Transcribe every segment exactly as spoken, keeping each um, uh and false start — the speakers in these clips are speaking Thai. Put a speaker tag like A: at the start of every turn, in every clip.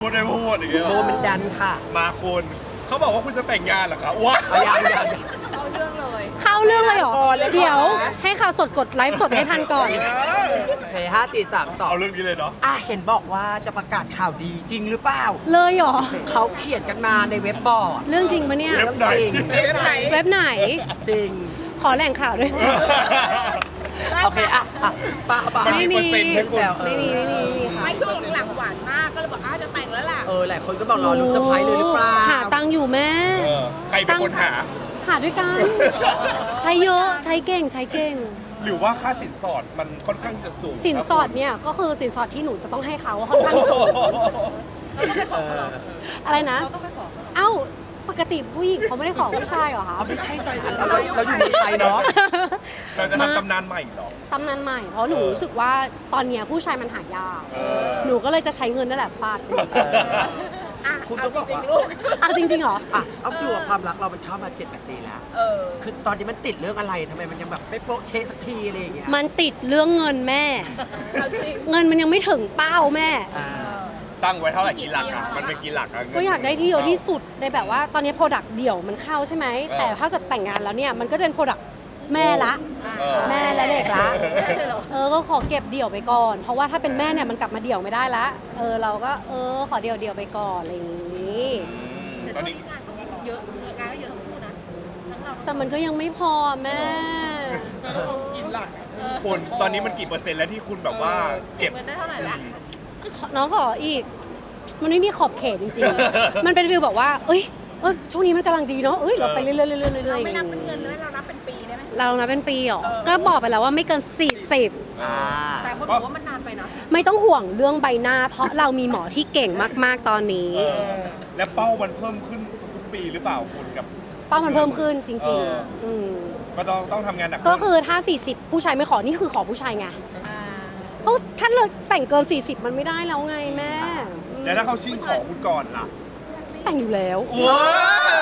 A: พูดได้พูดอย่างเงี้ย
B: โมมันดันค่ะ
A: มาคุณเขาบอกว่าคุณจะแต่งงานเหรอครับว้า
B: เอายังยัง
C: เข้าเรื่องเลย
D: เข้าเรื่องเลยเหรอ
B: ก่อนเลย
D: เดี๋ยว
B: ก่อนนะ
D: ให้ข่าวสดกดไลฟ์สดให้ทันก่อน
B: โอเคห้าสี่สามสอง
A: เอาเรื่องนี้เลยเนาะ
B: อ่ะเห็นบอกว่าจะประกาศข่าวดีจริงหรือเปล่า
D: เลยเหรอ
B: เขาเขียนกันมาในเว็บบอร์ด
D: เรื่องจริงปะเนี่ย
A: เว็บไหน
B: จริง
C: เว็บไหน
D: เว็บไหน
B: จริง
D: ขอแหล่งข่าวด้วย
B: โอเคอ่ะอ่ะป้าป้า
D: ไม่มี
A: เปอร์เซ็นต์ให้คุณ
D: ไม่มีไม่มีไม่มีค่ะ
C: ไม่ช่วงหลังๆหวานมากก็เลยบอกอ้าวจะแต่งแล้วล่ะ
B: เออหลายคนก็บอกรอลุ้นเซอร์ไพรส์เลยหรือเปล่า
D: หาตังค์อยู่แม่
A: เออใครเป็นคนหา
D: หาด้วยกัน ใช้เยอะใช้เก่งใช้เก่ง
A: หรือว่าค่าสินสอดมันค่อนข้างจะสูง
D: สินสอดเนี่ยก็คือสินสอดที่หนูจะต้องให้เขาค่อนข้างสูง
B: เออ
D: อะไรนะ
C: เราต้องไปขอ
D: เอ้าปกติผู้หญิงเขาไม่ได้ขอผู้ชายเหรอคะ
B: เอาไม่ใช่ใจเราเราเราอยู่เมืองไทยเนาะ
A: เราจะทำตำนานใหม่เหรอ
D: ตำนานใหม่เพราะหนูรู้สึกว่าตอนเนี้ยผู้ชายมันหายาก
A: เออ
D: หนูก็เลยจะใช้เงินนั่นแหละฟาด
C: อ่ะ
B: คุณ
C: เอา
B: ต้อง
C: จ
B: บอก
C: ริง
B: ว่า
C: ๆลูก
D: เอาจริงๆเหรอ
B: อ่ะเอาตัวความรักเรามันเข้ามาเจ็ดแปดปีแล้ว
C: เออ
B: คือตอนนี้มันติดเรื่องอะไรทำไมมันยังแบบไม่โป๊ะเชะสักทีอะไรอย่างเงี้ย
D: มันติดเรื่องเงินแม่
C: เอาจริง
D: เงินมันยังไม่ถึงเป้าแม่
B: อ่า
A: ตั้งไว้เท่าไหร่กี่หลักอ่ะมันเป็นกี่หลักอ่ะเงิน
D: ก็อยากได้ที่เยอะที่สุดในแบบว่าตอนนี้โปรดักต์เดี่ยวมันเข้าใช่ไหม
A: เออ
D: แต่ถ้าเกิดแต่งงานแล้วเนี่ยมันก็จะเป็นโปรดักต์แม่ละ
A: เออ
D: แม่และเด็กละ
C: ได้เลยเหรอ
D: เออก็ขอเก็บเดี่ยวไปก่อน เพราะว่าถ้าเป็นแม่เนี่ยมันกลับมาเดี่ยวไม่ได้ละเออเราก็เออขอเดี่ยวเดี่ยวไปก่อนอะไรอย่างนี้
A: อืม
C: แต่
A: ต
C: ช่
A: อ
C: วน ง
A: นี้
C: นี้งานก็เยอะงานก็เยอะทั้งคู่นะทั้งเรา
D: แต่มันก็ยังไม่พอแม่
C: กินหลัก
A: คุณตอนนี้มันกี่เปอร์เซ็นต์แล้วที่คุณแบบว่าเก็บ
C: เงินได้เท่าไหร่ละ
D: น้องขออีก มันไม่มีขอบเขตจริงๆ มันเป็นฟีลแบบว่า เอ้ยเอยช่วงนี้มันกำลังดีเนาะเอ้ยเราไปเรื่อยๆเรื่อยๆเรื่อยๆ
C: เรา
D: อย่าง
C: ไม่นับเป็น
D: งี้
C: เงินเลยเรานับเป็นปีได้ไหม
D: เรานะเป็นปีเหรอ
C: เออ
D: ก็บอกไปแล้วว่าไม่เกินสี่สิบ
B: อ่า
C: แต่คนบอกว่ามันนานไปนะ
D: ไม่ต้องห่วงเรื่องใบหน้า เพราะเรามีหมอที่เก่งมากๆตอนนี้
A: เออและเป้ามันเพิ่มขึ้นทุกปีหรือเปล่าคุณกับ
D: เป้ามันเพิ่มขึ้นจริง
A: เออ
D: ๆอืม
A: ก็ต้องต้องทำงานหนัก
D: ก็
A: ขึ้น
D: คือถ้า สี่สิบ ผู้ชายไม่ขอ นี่คือขอผู้ชายไง
C: อ่า
D: เพราะถ้าเราแต่งเกิน สี่สิบ มันไม่ได้แล้วไงแม่อืม
A: แล้วถ้าเขาชิงขอคุณก่อนล่ะ
D: แต่งอยู่แล้ว
A: ว้าว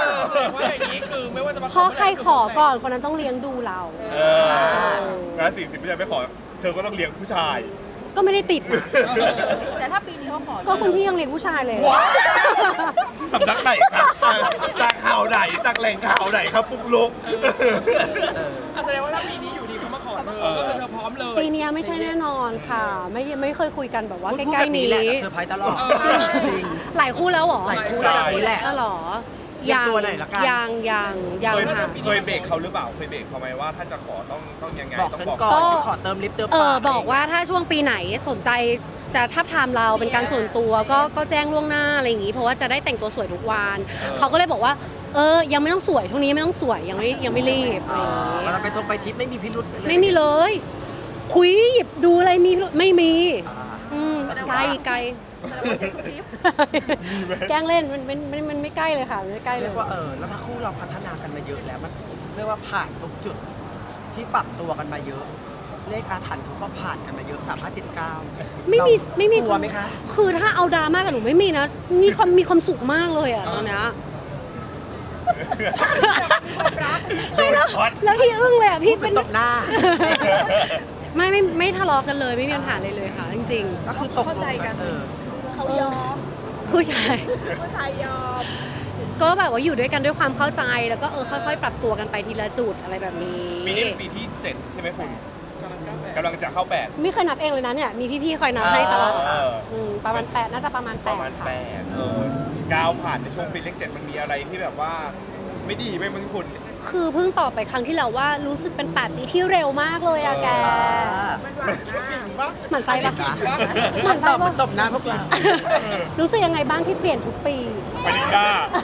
E: ว่าอย่างนี้คือไม่ว่าจะมา
D: เพราะใครขอก่อนคนนั้นต้องเลี้ยงดูเรา
A: เออแล้วสี่สิบผู้ชายไม่ขอ เธอก็ต้องเลี้ยงผู้ชาย
D: ก็ไม่ได้ติดนะ
C: แต่ถ้าปีนี้เขาขอ
D: ก็คุณพี่ยังเลี้ยงผู้ชายเลย
A: สำนักไหนครับจากข่าวไหนจากแหล่งข่าวไหนครับปุ๊กลุก
E: อ่ะแสดงว่าถ้าปีนี้อยู่ดีเขามาขอเธอก็คือเธอพร้อมเลย
D: ปีนี้ไม่ใช่แน่นอนค่ะ ไม่ไม่เคยคุยกันแบบว่า
B: พูด
D: ใก
B: พูด
D: ล้
B: แบบ
D: ๆ
B: นี้
D: นี้
B: แหละเซอร์ไพรส์ตลอดจริง
D: หลายคู่แล้วเหรอ
B: หลายคู่แล้วแบบนี้แหละ
D: ก็หรอ
B: เตรียมตัวหน่อยละกัน
D: ยังยังยัง
A: เคย
D: ค่ะ
A: เคยเบรกเขาหรือเปล่า เคยเบรกเขาไหมว่าถ้าจะขอต้องต้องยังไง
B: บอก
A: ต้อง
B: ฉัน
A: บอก
B: ก่อน
D: ก็
B: จะขอเติมลิฟต์เติม
D: เอ
B: ปา
D: อก บอกว่าถ้าช่วงปีไหนสนใจจะทับทามเราเป็นการส่วนตัวก็ก็แจ้งล่วงหน้าอะไรอย่างงี้ เพราะว่าจะได้แต่งตัวสวยทุกวันเขาก็เลยบอกว่า เออยังไม่ต้องสวยช่วงนี้ไม่ต้องสวยยังไม่ยังไม่รีบอะไร
B: อ่า
D: อย่างงี้
B: เวลาไปทงไปทริปไม่มีพิรุธเลย
D: ไม่มีเลย คุยหยิบดูอะไรมีไม่มี
B: อ่า
D: อืมไกลไกล แกล้งเล่นมันมันมันมันไม่ใกล้เลยค่ะมันไม่ใกล้เล
B: เรี
D: ย
B: ยกว่าเออแล้วถ้าคู่เราพัฒนากันมาเยอะแล้วมันเรียกว่าผ่านตรงจุดที่ปรับตัวกันมาเยอะ เลขอาถรรพ์เขาก็ผ่านกันมาเยอะสามห้าเจ็ดเก้า
D: ไม่มีไม่มี
B: กลัวไหมคะ
D: คือถ้าเอาดราม่ากับหนูไม่มีนะ มีความมีความสุขมากเลยอะตอนเนี้ยไม่แล้วแล้วที่อึ้งเลยอะพี่
B: เป็
D: เป็น น
B: ตบหน้า
D: ไม่ไม่ไม่ทะเลาะกันเลยไม่มีปัญหาเลยเลยค่ะ จริง
B: ก็คือตกลงเออ
C: เขายอม
D: ๆ ผู้ชาย
C: ผู้ชายยอม
D: ก็แบบว่าอยู่ด้วยกันด้วยความเข้าใจแล้วก็เออค่อยๆ ปรับตัวกันไปทีละจุดอะไรแบบนี้
A: ปีนี้เป็นปีที่เจ็ดใช่ไหมคุณกำลังจะเข้าแปด
D: ไม่เคยนับเองเลยนะเนี่ยมีพี่ๆคอยนับให้ตลอด
A: เออ
D: มประมาณแปดน่าจะประมาณ
A: ป
D: แประ ด
A: มาณ
D: ค่ะ
A: แปดเออก้าวผ่านในช่วงปีเลขเจ็ดมันมีอะไรที่แบบว่าไม่ดีไหมมึงคุณ
D: คือเพิ่งตอบไปครั้งที่แล้วว่ารู้สึกเป็นแปดปีที่เร็วมากเลยอะแก
C: มันหวานมาก
D: หมั่นไส้ปะ ห
B: มั
D: มั่
B: น
D: น
B: ต
D: ไส้
B: อบมัน
D: ปะ
B: ตบหน้าพวกเรา
D: รู้สึกยังไงบ้างที่เปลี่ยนทุกปี
A: ปานิก้า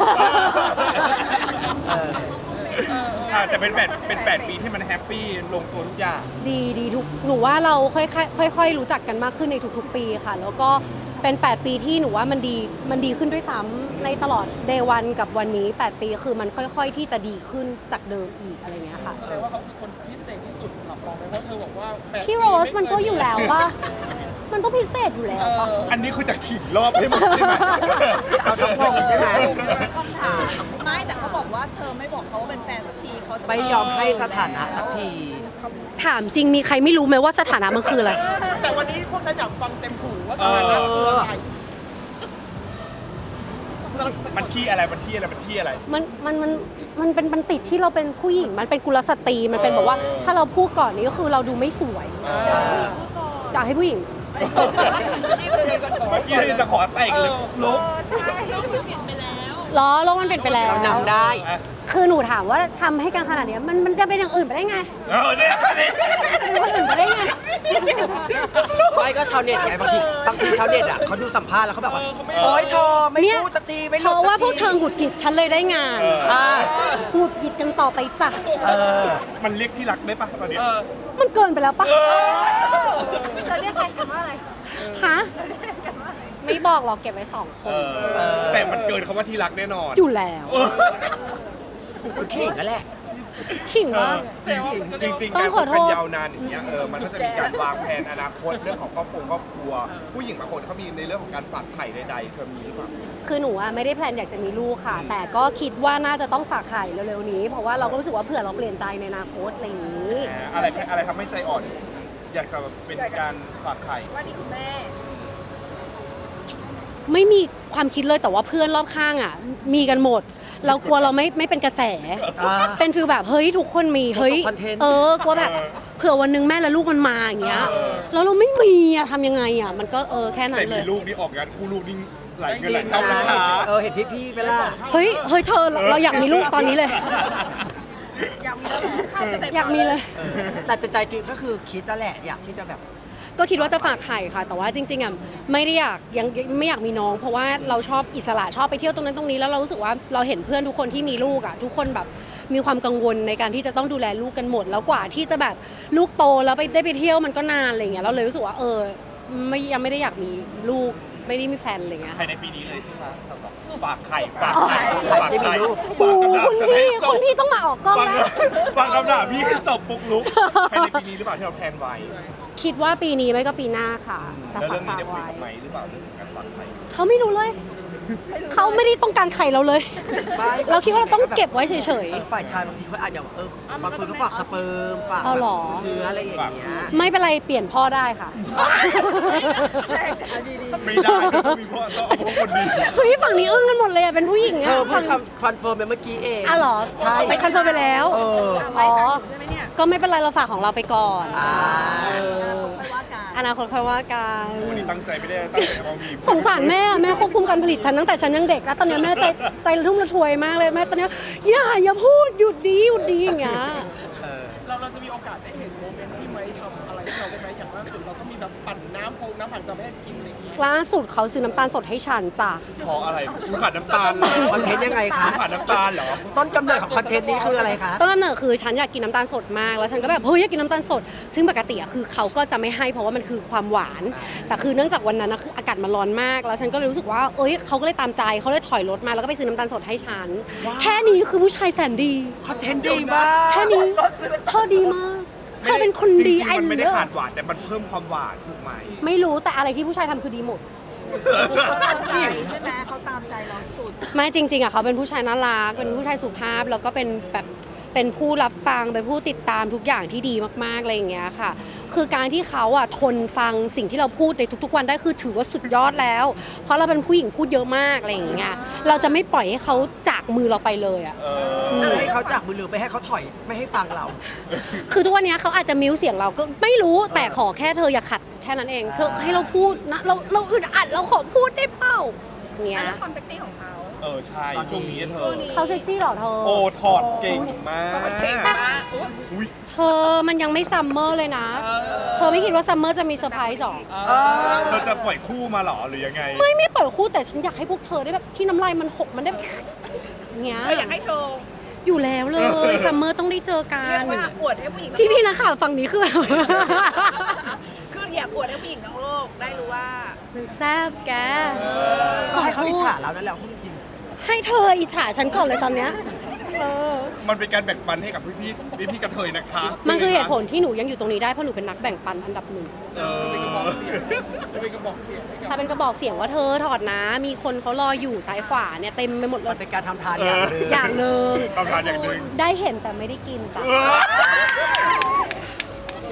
B: เออ
A: อ่าแต่เป็นแปดเป็นแปดปีที่มันแฮปปี้ลงตัวทุกอย่าง
D: ดีดีทุกหนูว่าเราค่อยๆค่อยๆรู้จักกันมากขึ้นในทุกๆ ปีค่ะ แล้วก็เป็นแปดปีที่หนูว่ามันดีมันดีขึ้นด้วยซ้ำในตลอดเดวันกับวันนี้แปดปีคือมันค่อยๆที่จะดีขึ้นจากเดิมอีกอะไรเงี้ยค่ะ
E: แสดงว่าเขาคือคนพิเศษที่สุดสำหรับเราไหมเพราะเธอบอกว่าแปด
D: พี่โรสมันก็อยู่แล้วป่ะมันต้องพิเศษอยู่แล้วป่ะ
A: อันนี้คือจะขิงรอบให้หมดใช่ไหม
B: เอาทั้งวงใช่ไหม
C: คำถามไม่แต่เขาบอกว่าเธอไม่บอกเขาว่าเป็นแฟนสักทีเขาจะ
B: ไม่ยอมให้สถานะสักที
D: ถามจริงมีใครไม่รู้ไหมว่าสถานะมันคืออะไร
E: แต่วันนี้พวกฉันอยากฟังเต็มหูว่าสถานะคืออะไร
A: มันที่อะไรมันที่อะไรมันที่อะไร
D: มันมันมันมันเป็นมันติดที่เราเป็นผู้หญิงมันเป็นกุลสตรีมันเป็นแบบว่าถ้าเราพูดก่อนนี้ก็คือเราดูไม่สวยอยากให้ผู้หญิง
A: เมื่อกี้เราจะขอแต่งเลยลุก
D: ล้อโลกมันเปลี่ยนไปแล้ว
B: เรานำได้
D: คือหนูถามว่าทำให้กันขนาดเนี้ยมันมันจะเป็นอย่างอื่นไปได้ไง
A: เออเนี่ยนี่
D: เป็นคนอื่นไปได้ไง
B: ไม่ก็ชาวเน็ตไงบางทีบางทีชาวเน็ตอ่ะเขาดูสัมภาษณ์แล้วเขาแบบว่าโอ๊ยเธอไม่
D: เนี่ย
B: พูดสักทีไม่
D: เพราะว่าพวกเธอหงุดหงิดฉันเลยได้งาน
B: อ่า
D: หงุดหงิดกันต่อไปจ้ะ
B: เออ
A: มันเรียกที่รักได้ปะตอนเนี้ย
E: เออ
D: มันเกินไปแล้วปะ
C: จะเรียกใครกันว่าอะไร
D: ฮะไม่บอกหรอกเก็บไว้สองค
A: เอน อแต่มันเกินคำว่าที่รักแน่นอน
D: อยู่แล้ว
B: คือขิงนั่นแหละ
D: ขิง
A: เอ
D: ว่า
A: อจริงๆจริงๆ
D: ต้
A: กา
D: อง
A: ร
D: ข
A: ค
D: อบ โท
A: กัน
D: ษ
A: ยาวนานอย่างเงี้ยเออมันก็จะมีการวางแผนอนาคตเรื่องของครอบครัวครอบครัว ผู้หญิงบางคนเขามีในเรื่องของการฝากไข่ใดๆเธอมีหรือเปล่า
D: คือหนูอะไม่ได้แพลนอยากจะมีลูกค่ะ แต่ก็คิดว่าน่าจะต้องฝากไข่เร็วๆนี้ เพราะว่าเราก็รู้สึกว่าเผื่อเราเปลี่ยนใจในอนาคตอะไรอย่างนี้
A: อะไรอะไรทำให้ใจอ่อน อยากจะเป็นการฝากไข่
C: ว่านี่คุณแม่
D: ไม่มีความคิดเลยแต่ว่าเพื่อนรอบข้างอ่ะ มีกันหมด เรากลัวเราไม่ไม่เป็นกระแส
B: อ่า
D: เป็นฟีลแบบเฮ้ยทุกคนมีเฮ้ย
B: คอนเทนต์
D: เออกลัวแบบเผื่อวันหนึงแม่และลูกมันมาอย่างเงี้ยแล้วเราไม่มีอะทำยังไงอะมันก็เออแค่นั้
A: แต่
D: นเล
A: มี
D: ย
A: ลูกนี่ออกงานคู่ลูกนี่หลายเงินหลาย
B: จริ
A: เท่าง นะ
B: นะคะ เออเห็นพี่ๆไปล่ะ
D: เฮ้ยเฮ้ยเธอเราเราอยากมีลูกตอนนี้เลย
C: อยากมีแล้วข้าวจะเต็ม
D: อยากมีเลย
B: เออแต่ใจจริงก็คือคิดนั่นแหละอยากที่จะแบบ
D: ก็คิดว่าจะฝากไข่ค่ะ แต่ว่าจริงๆอ่ะไม่ได้อยากยังไม่อยากมีน้อง เพราะว่าเราชอบอิสระชอบไปเที่ยวตรงนั้นตรงนี้แล้วเรารู้สึกว่าเราเห็นเพื่อนทุกคนที่มีลูกอ่ะทุกคนแบบมีความกังวลในการที่จะต้องดูแลลูกกันหมด แล้วกว่าที่จะแบบลูกโตแล้วไปได้ไปเที่ยวมันก็นานอะไรเงี้ยเราเลยรู้สึกว่าเออไม่ยังไม่ได้อยากมีลูกไม่ได้มีแพลนอะไรเงี้ย
A: ภายในปีนี้เลยใช่ไหมสำหรับฝากไข่ฝากไข่
B: ใครที่มีลูก
D: โอ้คุณพี่คุณพี่ต้องมาออกกล้อง
A: ฟัง
D: แล้ว
A: ฟังคำด่าพี่ให้จบปุกลุกภายในปีนี้หรือเปล่าที่เราแพลนไว้
D: คิดว่าปีนี้ไม่ก็ปีหน้าค่ะแต่
A: แล้ว
D: ฝา
A: เรื่
D: ก
A: องนี้
D: ฝาก
A: ได้คุย
D: ไว้
A: กับไหมหรือเปล่าเรื่องการฝากไข่
D: เขาไม่รู้เลย เขาไม่ได้ต้องการไข่เราเลย
B: ไม่
D: เราคิดว่าเราต้องเก็บไว้เฉย
B: เออฝ่ายชายบางทีเขาอาจจะแบบเออบางคนก็ฝากสเปิร์มฝาก
D: เอาเหรอ
B: เชื้ออะไรอย่างเงี้ย
D: ๆ ไม่เป็นไรเปลี่ยนพ่อได้ค่ะ
A: ไม่ได้ต้องมีพ่อต้องเอาพวกคนดี
D: เฮ้ยฝั่งนี้อึ้งกันหมดเลยอะเป็นผู้หญิง
B: เธ
D: อะ
B: อเพิ่
D: ฝั่
B: ง
D: ง
B: คำคอนเฟิร์มไปเมื่อกี้เอง
D: อ่ะเหรอ
B: ใช่
D: ไปคอนเฟิร์มไปแล้ว
B: เออ
D: อ๋อ
C: ใช่ไหมเนี่ย
D: ก็ไม่เป็นไรเราฝากของเราไปก่อน
B: อ่า
D: เออ
C: ค่อยว่ากัน
D: อนาคตค่อยว่ากัน
A: วันนี้ตั้งใจไม่ได้ตั้งใจเอามี
D: สงสารแม่อะแม่ควบคุมการผลิตฉันตั้งแต่ฉันยังเด็กแล้วตอนเนี้ยแม่ใจใจระทุ่มระทวยมากเลยแม่ตอนเนี้ยอย่าอย่าพูดหยุดดีหยุดดีอย่างเงี้ย
E: เราเราจะมีโอกาสได้เห็นโมเมนต์ที่ไม้ทำอะไรที่เราได้ไหมอย่างล่าสุดเราก็มีแบบปั่นน้ำโพงน้ำผันจะไม่ให้กินอะไรอย่างงี้
D: ล่าสุดเขาซื้อน้ำตาลสดให้ฉันจ้ะ
A: เพราะอะไรคุณขาดน้ำตาลเหรอ
B: คอนเทนต์ยังไงคะ
A: คุณขาดน้ำตาลเหรอ
B: ต้นกำเนิดของคอนเทนต์นี้คืออะไรคะ
D: ต้นกำเนิดคือฉันอยากกินน้ำตาลสดมากแล้วฉันก็แบบเฮ้ยอยากกินน้ำตาลสด ซึ่งปกติอะคือเขาก็จะไม่ให้เพราะว่ามันคือความหวาน แต่คือเนื่องจากวันนั้นนะคืออากาศมันร้อนมาก แล้วฉันก็เลยรู้สึกว่าเอ้ยเขาก็เลยตามใจเขาเลยถอยรถมาแล้วก็ไปซื้อน้ำตาลสดให้ฉัน แค่นี้คือผู้ชายแสนดี
B: คอนเทนต์ดีมาก
D: แค่นี้เธอดีมากเธอเป็นคนดี
A: จริง
D: ไอ้
A: ๆมันไม่ได้
D: เลิ
A: ขา
D: ศ
A: ดหวานแต่มันเพิ่มความหวานถูกไหม
D: ไม่รู้แต่อะไรที่ผู้ชายทำคือดีหมด
C: เขาตามใจใช่ไหมเขาตามใจเราสุด
D: ไม่จริงๆอ่ะเขาเป็นผู้ชายน่ารักเป็นผู้ชายสุภาพแล้วก็เป็นแบบเป็นผู้รับฟังเป็นผู้ติดตามทุกอย่างที่ดีมากๆอะไรอย่างเงี้ยค่ะ คือการที่เขาอ่ะทนฟังสิ่งที่เราพูดในทุกๆวันได้คือถือว่าสุดยอดแล้ว เพราะเราเป็นผู้หญิงพูดเยอะมากอะไรอย่างเงี้ยเราจะไม่ปล่อยให้เขาจากมือเราไปเลยอ่ะ
A: เออ
B: ไม่ให้เขาจากมือหรือไม่ให้เขาถอยไม่ให้ฟังเรา
D: คือทุกวันเนี้ยเขาอาจจะมิวเสียงเราก็ไม่รู้แต่ขอแค่เธออย่าขัดแค่นั้นเอง เธอให้เราพูดนะเราเราอึดอัดเราขอพูดได้เปล่าเงี้ย
C: ความเซ็กซี่ของเขา
A: เออใช่
B: ตอนนี้
A: ช่วงนี้เธอ
D: เขาเซ็กซี่เหรอเธอ
A: โอ้ถอดเก่งมาก
C: เก่งมาก
A: อุ้ย
D: เธอมันยังไม่ซัมเมอร์เลยนะ เธอไม่คิดว่าซัมเมอร์จะมีเซอร์ไพรส์หรอ
B: เออ
A: เธอจะปล่อยคู่มาเหรอหรือยังไง
D: ไม่ไม่เปิดคู่แต่ฉันอยากให้พวกเธอได้แบบที่น้ำลายมันหกมันได้แบบเงี้ย
C: เราอยากให้โชว์
D: อยู่แล้วเลยซัมเมอร์ต้องได้เจอกั
C: เรีย
D: น
C: กว่าอวดให้ผู้หญิง
D: พี่พี่ๆนักข่าวฝั่งนี้คือแบบ
C: คืออยากอวดให้ผู้หญิงทั้งโลกได้รู้ว่า
D: มันแซ่บแก
B: ก็ให้เขาอิจฉาเรานั่นแหละพูดจริง
D: ให้เธออิจฉาฉันก่อนเลยตอนเนี้ยเออ
A: มันเป็นการแบ่งปันให้กับพี่พี่พี่พี่ๆกระเทยนะคะ
D: มันคือเหตุผลที่หนูยังอยู่ตรงนี้ได้เพราะหนูเป็นนักแบ่งปันอันดับหนึ่ง
A: เออ
E: เป็นกระบอกเสียงจะเป็นกระบอกเสียงให้กับ
D: ถ้าเป็นกระบอกเสียงว่าเธอถอดนะ มีคนเขารออยู่ซ้ายขวาเนี่ยเต็มไปหมดเล
B: มัน
D: ย
B: เป็นการทำทานอย่างหนึ่ง
D: อย่างหนึ่ง
A: ทำงานอย่างหนึ่ง
D: ได้เห็นแต่ไม่ได้กินจ้ะ
A: เออ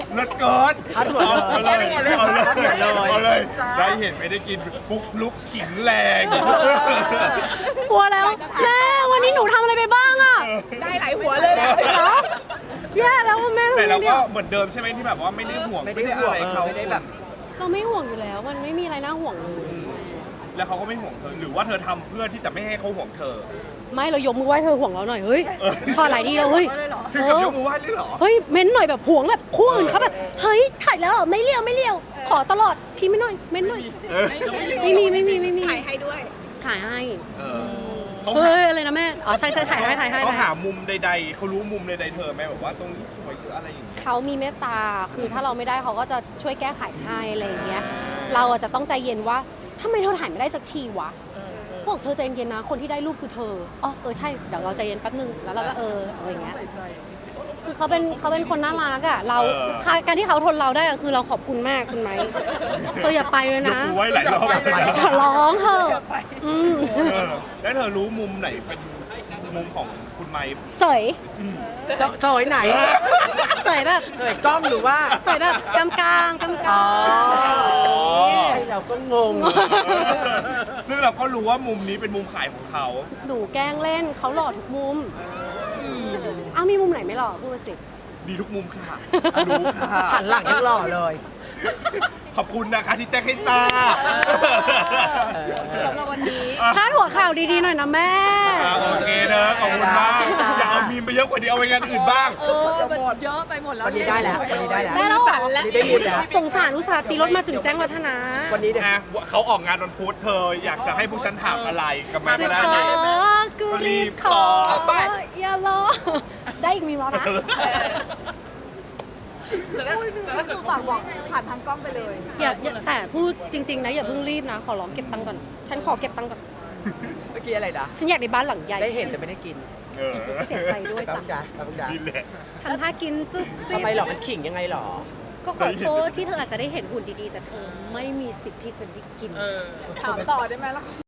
A: เลิศเกิน
B: พัดหัวเลย
A: เอาเลยเอาเลย
B: พัดหัวเลย
A: เอาเลย ได้เห็นไม่ได้กินปุ๊กลุกขิงแรง
D: กลัวแล้วแม่วันนี้หนูทำอะไรไปบ้างอะ
C: ได้หลายหัวเลยแหละ
D: เหรอแย่แล้วแม่ทำ
A: แต่
D: ไง
A: เรา
D: เนี่
A: ก็
D: ย
A: เหมือนเดิมใช่ไหมที่แบบว่าไม่ได้ห่วง
B: ไม่ได้ห่วง
A: อะไร
B: เออ
A: เขา
B: ไม่ได้แบบ
D: เราไม่ห่วงอยู่แล้ว มันไม่มีอะไรน่าห่วงเลย
A: แล้วเขาก็ไม่ห่วงเธอหรือว่าเธอทำเพื่อที่จะไม่ให้เขาห่วงเธอ
D: ไม่เรายกมือไหว้เธอห่วงเราหน่อยเฮ้ยพอหลายทีแล้วเฮ้ย
A: ถึงกับยกมือไหว้เลยเหรอ
D: เฮ้ยเม้นหน่อยแบบห่วงแบบคู่อื่นเขาแบบเฮ้ยถ่ายแล้วเหรอไม่เลี้ยวไม่เลี้ยวขอตลอดพี่ไม่หน่อยเม้นหน่อย
A: เออ
D: ไม่มีไม่มีไม่มี
C: ถ่ายให้ด้วย
D: ถ่ายให้
A: เออเขา
D: เฮ้
A: หาย
D: อะไรนะแม่อ๋อใช่ใช่ถ่ายให้ถ่ายให้
A: เขา
D: ถ่าย
A: หา
D: ให้
A: มุมใดๆเขารู้มุมใดๆเธอไหมแบบว่าตรงนี้สวยหรืออะไรอย่างเงี้ย
D: เขามีเมตตาคือถ้าเราไม่ได้เขาก็จะช่วยแก้ไขให้อะไรอย่างเงี้ยเราอะจะต้องใจเย็นว่าทำไมเธอถ่ายไม่ได้สักทีวะบอกเธอใจเย็นๆนะคนที่ได้รูปคือเธออ๋อเออใช่เดี๋ยวเราใจเย็นแป๊บนึงแล้วเราก็เอออะไรอย่างเงี้ย
E: ใส่ใจจริง
D: คือเขาเป็นเขาเป็นคนน่ารักอ่ะเราการที่เขาทนเราได้อะคือเราขอบคุณมากคุณไหมเธออย่าไปเลย
A: ยก
D: นะ
A: มือไหว้หลายรอบเลยนะ
D: ขอร้องเถอะอืม
A: เออแล้วเธอรู้มุมไหนเป็นมุมของคุณไมค์
D: สวย
B: สสวยไหน
D: สวยแบบ
B: สวยกล้องหรือว่า
D: สวยแบบกำกลางกำก
B: อ๋
D: ลา
B: อง ไอเราก็งง
A: ซึ่งเราก็รู้ว่ามุมนี้เป็นมุมขายของเขา
D: หนูแกล้งเล่นเขาหล่อทุกมุมอ้าวมีมุมไหนไม่หล่อพูดมาสิ
A: ดีทุกมุมค่ะรู้ค่ะ
B: หันหลังยังหล่อเลย
A: ขอบคุณนะคะที่แจ้งให้ทราบ
C: สำหรับวันนี้
D: พาดหัวข่าวดีๆหน่อยนะแม่
A: อ่าโอเคเนอะขอบคุณมาก
B: จ้า
A: อย่าเอามีมไปเยอะกว่านี้เอาไปงานอื่นบ้าง
C: เออ มันเยอะไปหมดแล้ว
B: วันนี้ได้แล้ววันนี้ได้แล้ว
D: ได้แล้วเหรอ
B: วันนี้ได้ยินแล้ว
D: สงสารอุตส่าห์ตีรถมาถึงแจ้งวัฒนะ
B: วันนี้เนี่ย
A: อ่ะเขาออกงานวันพุธเธออยากจะให้พวกฉันถามอะไรกับมา
D: สิ
A: ก็
D: ข
A: ได้
D: อ
A: เลย
D: กูรีบขออย่ารอได้อีกมีมแล้วนะ
C: ก็คือฝากบอกผ่านทางกล้องไปเลย
D: อย่าอย่าแต่พูดจริง ๆ นะอย่าเพิ่งรีบนะ ขอร้องเก็บตังค์ก่อน ฉันขอเก็บตังค์ก่อน
B: เมื่อกี้อะไรนะ
D: ฉันอยากได้บ้านหลังใหญ่
B: ได้เห็นแต่ไม่ได้กิน
A: เออ
D: เสียใจด้วย
B: ตา
D: จ้ะ
B: มจ๋าตามจ๋า
A: นี่แหละ
D: ทำท่ากินจุ๊บจิ๊
B: ทำ
D: บ
B: ไมหรอมันขิงยังไงหรอ
D: ก็ขอโทษที่เธออาจจะได้เห็นหุ่นดีๆ แต่เธอไม่มีสิทธิ์ที่จะได้กิน
E: เออ
C: ถามต่อได้ไหมล่ะ